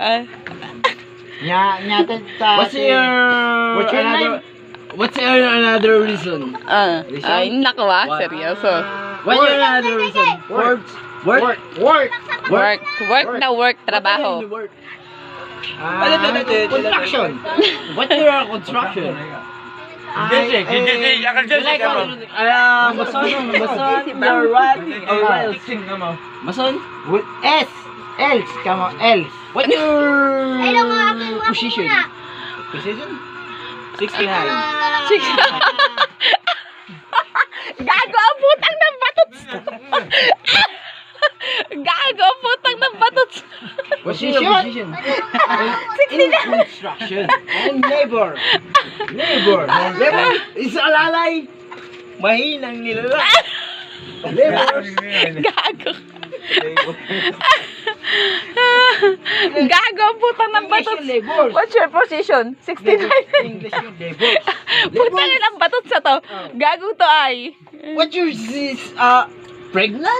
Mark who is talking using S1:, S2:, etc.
S1: What's your another reason?
S2: Ay, naku seryoso.
S1: What's your another reason? Work.
S2: Work, trabaho.
S1: Construction. What's your construction? Mason?
S3: With S. Else. Come on. Else.
S1: What's your position? Position? 69.
S2: Gago ang putang ng batots. Gago ang putang ng batots.
S1: What's your position? In construction.
S3: And labor.
S1: Labor. Isa alalay. Mahinang nilala. Labor.
S2: Gago. Gago ang putang ng batots.
S3: Labor.
S2: What's your position? 69.
S3: English yung labor.
S2: Putang ilang batots sa to. Gago to ay.
S1: What's your pregnant?